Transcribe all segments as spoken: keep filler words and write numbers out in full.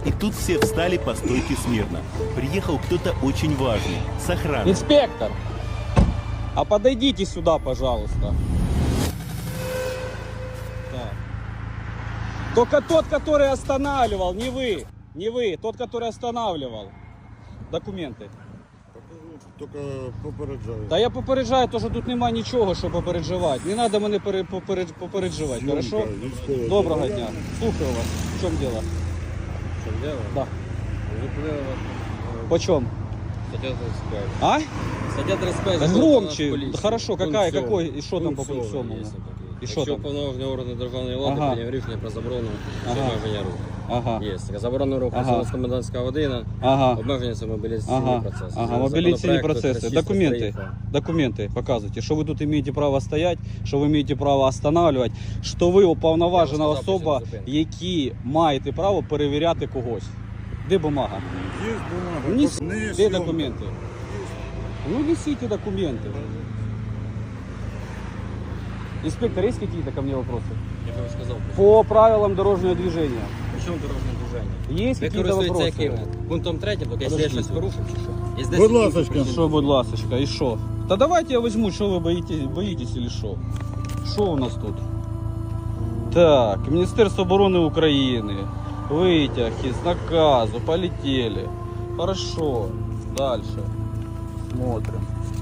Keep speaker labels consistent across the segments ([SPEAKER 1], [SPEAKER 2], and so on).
[SPEAKER 1] И тут все встали по стойке смирно. Приехал кто-то очень важный, с охраной.
[SPEAKER 2] Инспектор, а подойдите сюда, пожалуйста. Так. Только тот, который останавливал, не вы, не вы, тот, который останавливал. Документи.
[SPEAKER 3] Тільки попереджаю.
[SPEAKER 2] Та я попереджаю, то що тут немає нічого, що попереджувати. Не треба мене пере- попередж- попереджувати,
[SPEAKER 3] Зйомка,
[SPEAKER 2] хорошо?
[SPEAKER 3] військове
[SPEAKER 2] Доброго
[SPEAKER 3] завдання.
[SPEAKER 2] дня. Слухаю вас. В чому діло?
[SPEAKER 4] В чем дело?
[SPEAKER 2] Да.
[SPEAKER 4] Зупинили вас.
[SPEAKER 2] По чому?
[SPEAKER 4] Статья тридцать пять.
[SPEAKER 2] А?
[SPEAKER 4] Статья тридцать пять.
[SPEAKER 2] Да
[SPEAKER 4] закон
[SPEAKER 2] громче.
[SPEAKER 4] о полиции.
[SPEAKER 2] Да хорошо,
[SPEAKER 4] Пункт
[SPEAKER 2] какая,
[SPEAKER 4] сьомий.
[SPEAKER 2] какой, и что там по
[SPEAKER 4] Пункт
[SPEAKER 2] пункту
[SPEAKER 4] сьомий
[SPEAKER 2] сьомому?
[SPEAKER 4] є такий.
[SPEAKER 2] І що
[SPEAKER 4] Якщо
[SPEAKER 2] там?
[SPEAKER 4] повноважені органи державної влади
[SPEAKER 2] Ага.
[SPEAKER 4] прийняв рішення про заборону
[SPEAKER 2] Ага.
[SPEAKER 4] обмеження руху.
[SPEAKER 2] Ага.
[SPEAKER 4] Є. Така заборона руху
[SPEAKER 2] Ага.
[SPEAKER 4] з комендантська година,
[SPEAKER 2] Ага.
[SPEAKER 4] обмеження це мобілізаційний
[SPEAKER 2] Ага,
[SPEAKER 4] процес.
[SPEAKER 2] ага,
[SPEAKER 4] Згідно
[SPEAKER 2] мобилизационные
[SPEAKER 4] законопроекту
[SPEAKER 2] процессы.
[SPEAKER 4] тридцять шість
[SPEAKER 2] Документы,
[SPEAKER 4] приїхав.
[SPEAKER 2] документы показывайте, что вы тут имеете право стоять, что вы имеете право останавливать, що ви уповноважена
[SPEAKER 4] Я вам сказав,
[SPEAKER 2] особа,
[SPEAKER 4] причина зупинки.
[SPEAKER 2] які маєте право перевіряти когось. Де бумага?
[SPEAKER 3] Є бумага.
[SPEAKER 2] Нес-
[SPEAKER 3] Не є
[SPEAKER 2] Де
[SPEAKER 3] зйомка.
[SPEAKER 2] документи? Ну несите документы. Инспектор, есть какие-то ко мне вопросы?
[SPEAKER 4] Я вже сказав.
[SPEAKER 2] По правилам дорожнього движения.
[SPEAKER 4] Причому дорожнє движення?
[SPEAKER 2] Есть
[SPEAKER 4] Ви
[SPEAKER 2] какие-то
[SPEAKER 4] користуєтеся
[SPEAKER 2] вопросы?
[SPEAKER 4] яким? Пунктом третім, тобто якщо я
[SPEAKER 2] Подождіть.
[SPEAKER 4] щось порушив чи що? Є
[SPEAKER 3] Будь
[SPEAKER 4] десять
[SPEAKER 3] ласочка.
[SPEAKER 4] причин.
[SPEAKER 2] Що, будь ласочка, і що? Та давайте я візьму, що ви боїтесь, боїтесь или що? Що у нас тут? Так, Міністерство оборони України. Витяг із наказу, полетели. Хорошо, дальше. Смотрим.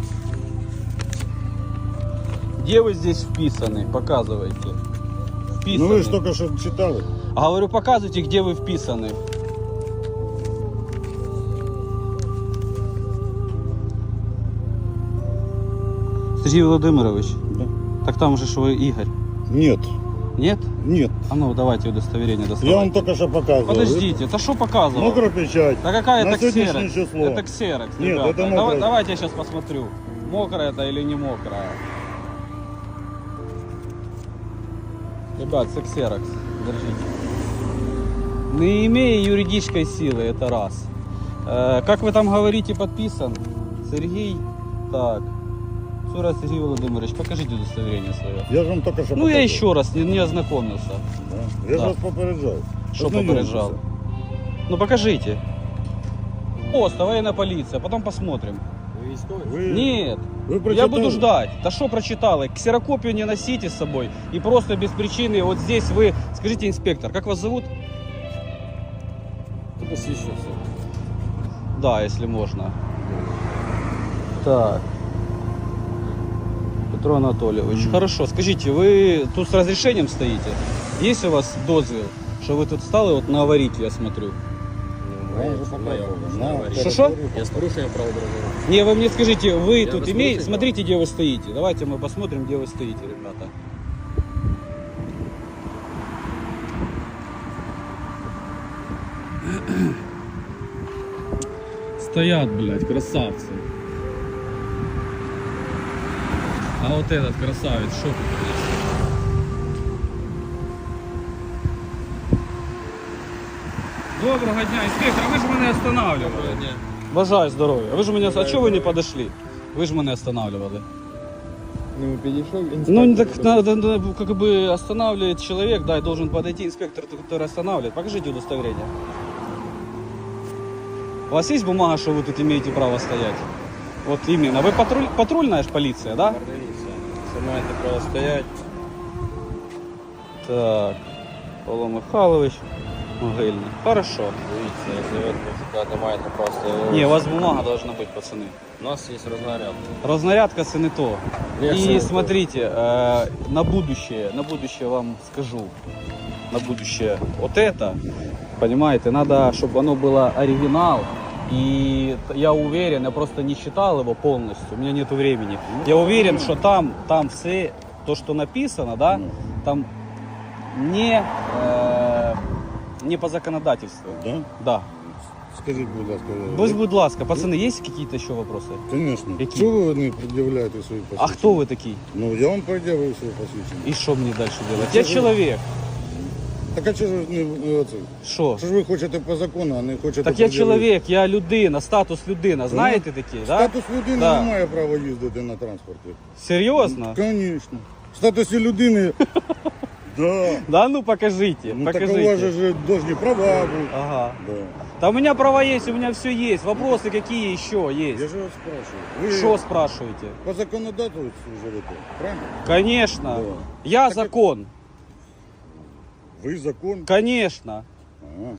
[SPEAKER 2] Где вы здесь вписаны? Показывайте. Вписаны.
[SPEAKER 3] Ну ви ж тільки що читали.
[SPEAKER 2] А говорю, показывайте, где вы вписаны. Сергей Владимирович,
[SPEAKER 3] Да.
[SPEAKER 2] так там же ж вы Игорь.
[SPEAKER 3] Нет,
[SPEAKER 2] Нет?
[SPEAKER 3] нет.
[SPEAKER 2] А ну давайте удостоверение
[SPEAKER 3] Я
[SPEAKER 2] доставайте.
[SPEAKER 3] вам тільки що показував.
[SPEAKER 2] Подождите, это что показывал?
[SPEAKER 3] Мокра печать.
[SPEAKER 2] Да какая
[SPEAKER 3] На
[SPEAKER 2] это
[SPEAKER 3] сегодняшнее
[SPEAKER 2] ксерокс?
[SPEAKER 3] число.
[SPEAKER 2] Это ксерокс,
[SPEAKER 3] Нет,
[SPEAKER 2] ребята.
[SPEAKER 3] это
[SPEAKER 2] Давай-
[SPEAKER 3] мокрая.
[SPEAKER 2] давайте я сейчас посмотрю, мокрая это или не мокрая. Ребят, это ксерокс. Держите. Не имея юридической силы, это раз. Э, как вы там говорите, подписан? Сергей. Так. Сура Сергей Владимирович, покажите удостоверение свое.
[SPEAKER 3] Я ж вам тільки що
[SPEAKER 2] Ну я
[SPEAKER 3] показував.
[SPEAKER 2] еще раз не, не ознакомился.
[SPEAKER 3] Да. Я ж
[SPEAKER 2] Да.
[SPEAKER 3] вас попереджав.
[SPEAKER 2] Что
[SPEAKER 3] Ознайомтеся.
[SPEAKER 2] попереджал? Ну покажите. Пост, военная полиция, потом посмотрим.
[SPEAKER 4] Ви військовий?
[SPEAKER 3] Ви,
[SPEAKER 2] Нет,
[SPEAKER 3] ви
[SPEAKER 2] я
[SPEAKER 3] прочитали?
[SPEAKER 2] буду ждать. Да что прочитала? Ксерокопию не носите с собой. И просто без причины вот здесь вы... Скажите, инспектор, как вас зовут?
[SPEAKER 4] Ти посвідчився.
[SPEAKER 2] Да, если можно. Так. Петро Анатольевич.
[SPEAKER 3] Мгм.
[SPEAKER 2] Хорошо, скажите, вы тут с разрешением стоите? Есть у вас дозвіл, что вы тут стали вот на аварийке, я смотрю?
[SPEAKER 4] Ну, моя- моя область,
[SPEAKER 3] На
[SPEAKER 4] аварія.
[SPEAKER 2] Що-що?
[SPEAKER 4] Я з порушенням правил дорожнього руху.
[SPEAKER 2] Не, вы мне скажите, вы
[SPEAKER 4] Я
[SPEAKER 2] тут
[SPEAKER 4] вас
[SPEAKER 2] имеете...
[SPEAKER 4] слушаю.
[SPEAKER 2] Смотрите, где вы стоите. Давайте мы посмотрим, где вы стоите, ребята. Стоят, блядь, красавцы. А вот этот красавец, что тут есть? Доброго дня, инспектор, а вы же меня останавливали. Бажаю здоров'я. Ви ж мене, а чого ви не подошли? Ви ж мене останавливали.
[SPEAKER 4] Ну, підійшов
[SPEAKER 2] Ну, не так надо, надо, как бы останавливает человек, да, и должен подойти инспектор, который останавливает. Покажите удостоверение. У вас есть бумага, что вы тут имеете право стоять? Вот именно. Вы патруль, патрульная ж полиция, да?
[SPEAKER 4] Це маєте право стояти.
[SPEAKER 2] Так. Павло Михайлович. Могильный. Хорошо.
[SPEAKER 4] Дивіться, якщо ви кажете, маєте право стояти.
[SPEAKER 2] Не, у вас бумага должна быть, пацаны.
[SPEAKER 4] У нас є рознаряд.
[SPEAKER 2] Разнарядка це не то.
[SPEAKER 4] Як це
[SPEAKER 2] И
[SPEAKER 4] не то?
[SPEAKER 2] смотрите, э, на будущее, на будущее вам скажу, на будущее, вот это, понимаете, надо, чтобы оно было оригинал. И я уверен, я просто не читал его полностью, у меня нет времени. Я уверен, что там, там все, то, что написано, да, там не, э, не по законодательству.
[SPEAKER 3] Да?
[SPEAKER 2] Да.
[SPEAKER 3] Скажіть, будь ласка.
[SPEAKER 2] Будь, будь ласка, пацаны, есть какие-то еще вопросы?
[SPEAKER 3] Звісно.
[SPEAKER 2] Які?
[SPEAKER 3] Чого ви не пред'являєте свої посвідчення?
[SPEAKER 2] А кто вы такие?
[SPEAKER 3] Ну, я вам пред'явив свої посвідчення.
[SPEAKER 2] И что мне дальше делать?
[SPEAKER 3] Ну,
[SPEAKER 2] Я
[SPEAKER 3] что вы-
[SPEAKER 2] человек.
[SPEAKER 3] Так а чого ж ви не оце?
[SPEAKER 2] Що?
[SPEAKER 3] Що ж ви хочете по закону, а не хочете
[SPEAKER 2] Так я
[SPEAKER 3] пред'явити?
[SPEAKER 2] чоловік, я людина, статус людина. Знаєте такі, да?
[SPEAKER 3] Статус людини
[SPEAKER 2] Да.
[SPEAKER 3] не має права їздити на транспорті.
[SPEAKER 2] Серйозно?
[SPEAKER 3] Звісно. В статусі людини Да.
[SPEAKER 2] Да ну покажите,
[SPEAKER 3] Ну так у
[SPEAKER 2] покажите.
[SPEAKER 3] вас же должны права быть.
[SPEAKER 2] Ага.
[SPEAKER 3] Да.
[SPEAKER 2] Да у меня права есть, у меня все есть. Вопросы какие еще
[SPEAKER 3] Я
[SPEAKER 2] есть?
[SPEAKER 3] же вас спрашиваю. Вы
[SPEAKER 2] Что спрашиваете?
[SPEAKER 3] по законодательству живете, правильно?
[SPEAKER 2] Конечно.
[SPEAKER 3] Да.
[SPEAKER 2] Я
[SPEAKER 3] Так это-
[SPEAKER 2] закон.
[SPEAKER 3] Вы закон.
[SPEAKER 2] Конечно.
[SPEAKER 3] Ага.